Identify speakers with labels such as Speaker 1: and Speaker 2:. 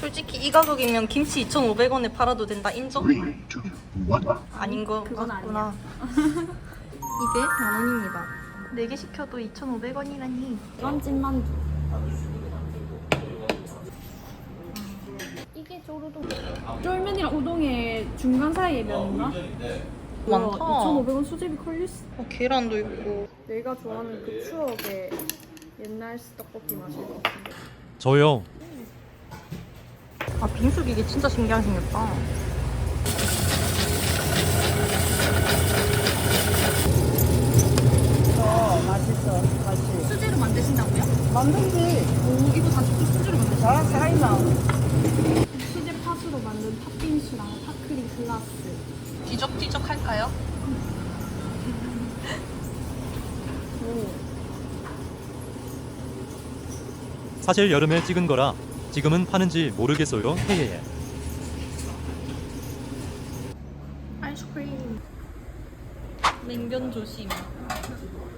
Speaker 1: 솔직히 이 가격이면 김치 2,500원에 팔아도 된다. 인정? 아닌 거
Speaker 2: 그건
Speaker 1: 같구나. 이게 만 원입니다. 4개 시켜도 2,500원이라니.
Speaker 2: 이건 찐만두. 이게 쪼르도. 쫄면이랑 우동의 중간 사이에 면인가?
Speaker 1: 많다.
Speaker 2: 2,500원 수제비 컬리스.
Speaker 1: 계란도 있고.
Speaker 2: 내가 좋아하는 그 추억의 옛날 떡볶이 맛일 것 같은데.
Speaker 3: 저요.
Speaker 1: 아, 빙수기 이게 진짜 신기하게 생겼다.
Speaker 4: 맛있어, 맛있어.
Speaker 2: 수제로 만드신다고요?
Speaker 4: 만든지
Speaker 2: 오, 이거 다 직접 수제로 만드신
Speaker 4: 잘 살아있나?
Speaker 2: 수제 팥으로 만든 팥빙수랑 팥크림 글라스.
Speaker 1: 뒤적뒤적 할까요?
Speaker 3: 사실 여름에 찍은 거라 지금은 파는지 모르겠어요. 헤헤헤.
Speaker 1: 아이스크림. 냉면 조심.